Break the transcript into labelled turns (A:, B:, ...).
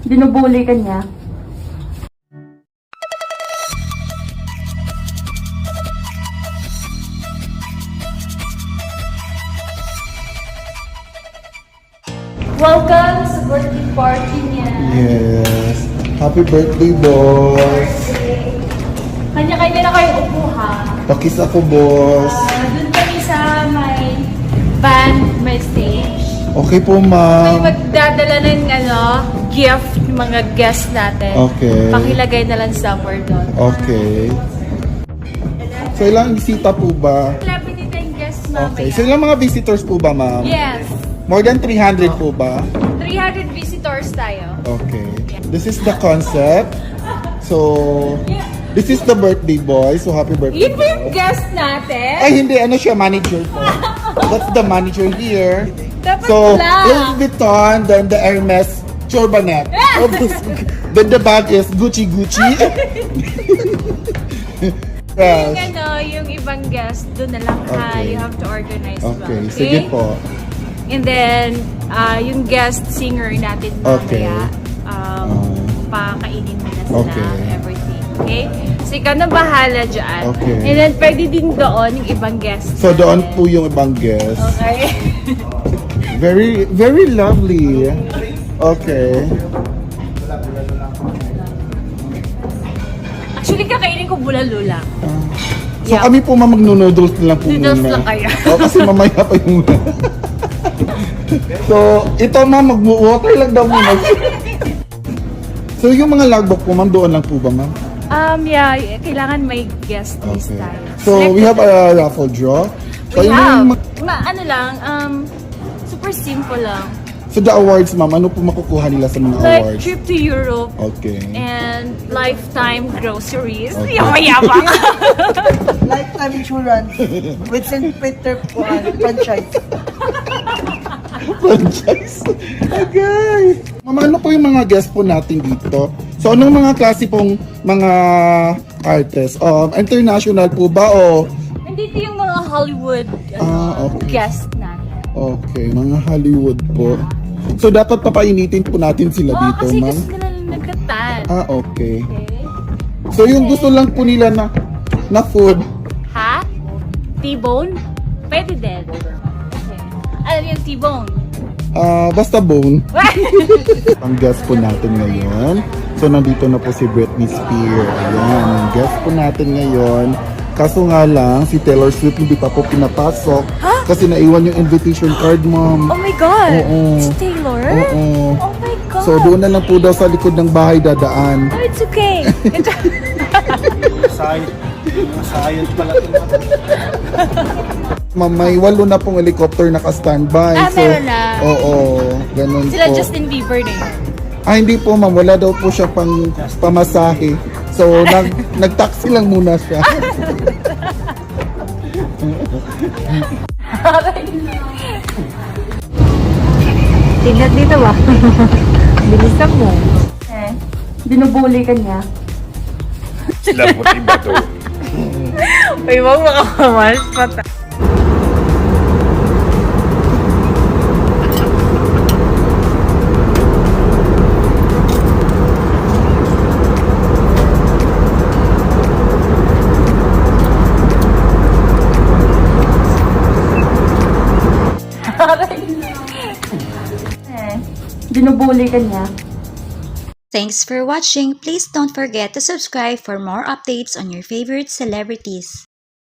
A: Binubuli ka niya. Welcome sa birthday party niya.
B: Yes. Happy birthday, boss.
A: Kanya-kanya na kayo upo, ha?
B: Pakis ako, boss.
A: Doon kami sa may band, may stage.
B: Okay po,
A: May
B: ma'am.
A: magdadala ng gift ng mga guests natin.
B: Okay.
A: Pakilagay na lang somewhere doon.
B: Okay. So, ilang bisita po ba?
A: Lapit dito yung guests mamaya.
B: Okay. So, ilang mga visitors po ba, ma'am?
A: Yes.
B: More than 300 po ba?
A: 300 visitors tayo.
B: Okay. This is the concept. So, this is the birthday boy. So, happy birthday.
A: Yun ba yung guest natin?
B: Ay, hindi. Ano siya? Manager po. That's the manager here.
A: Dapat
B: So,
A: lang.
B: Louis Vuitton, then the Hermes Chorbanet. Then the bag is Gucci.
A: Yung
B: Yes.
A: yung ibang guest, doon na lang ha.
B: Okay.
A: You have to organize ba?
B: Okay, sige po.
A: And then, yung guest singer natin
B: Okay.
A: mamaya, pakainin mo na sila,
B: Okay.
A: everything. Okay? So, ikaw na bahala dyan.
B: Okay.
A: And then, pwede din doon yung ibang guest.
B: So, doon po yung ibang guest.
A: Okay.
B: Very, very lovely. Okay.
A: Actually, kakainin ko bulalo lang.
B: So,
A: Yeah.
B: kami po mag-noodles na lang po
A: Noodles
B: muna.
A: lang kayo.
B: O, kasi mamaya pa yung So, ito ma'am, mag-water lang daw muna. So, yung mga logbook po ma'am, doon lang po ba ma'am?
A: Yeah, kailangan may guest list
B: Okay.
A: tayo.
B: So, we have a raffle draw. So,
A: We
B: yun
A: have.
B: yung
A: Ano lang, super simple lang.
B: so, the awards ma'am, ano po makukuha nila sa mga
A: Like,
B: awards?
A: trip to Europe
B: Okay.
A: and lifetime groceries.
B: Okay.
A: Yamayabang.
C: Lifetime insurance with St. Peter franchise.
B: Franchise. Okay. Ma'am, ano po yung mga guest po natin dito? So, anong mga klase pong mga artists? International po ba o?
A: Nandito yung mga Hollywood
B: Okay.
A: guest natin.
B: Okay, mga Hollywood po. So, dapat papainitin po natin sila dito,
A: Kasi
B: ma'am?
A: gusto nila nagkatan.
B: Okay.
A: Okay.
B: So, yung gusto lang po nila na food.
A: Ha? T-bone? Pwede din. Okay. Ano yung T-bone?
B: Basta bone. Ang guest po natin ngayon. So, nandito na po si Britney Spears. Ayan, ang guest po natin ngayon. Kaso nga lang, si Taylor Swift hindi pa po pinapasok. Kasi naiwan yung invitation card, ma'am.
A: Oh my God!
B: Oo.
A: It's Taylor?
B: Oo.
A: Oh my God!
B: So, doon na lang po daw sa likod ng bahay dadaan.
A: Oh, it's okay.
D: Masayang pala ito.
B: Ma'am, may 8 na pong helicopter naka-standby.
A: Meron na.
B: Oo, ganun
A: Sila
B: po.
A: Justin Bieber na yun.
B: Hindi po ma'am, wala daw po siya pang pamasahe. So, nag-taxi lang muna siya.
A: Tingnan dito ba? Bilisan mo.
E: Binubuli ka niya.
D: Sila puti ba ito?
A: Uy, wag makakamal. Pata.
E: Binubuli ka niya.
F: Thanks for watching. Please don't forget to subscribe for more updates on your favorite celebrities.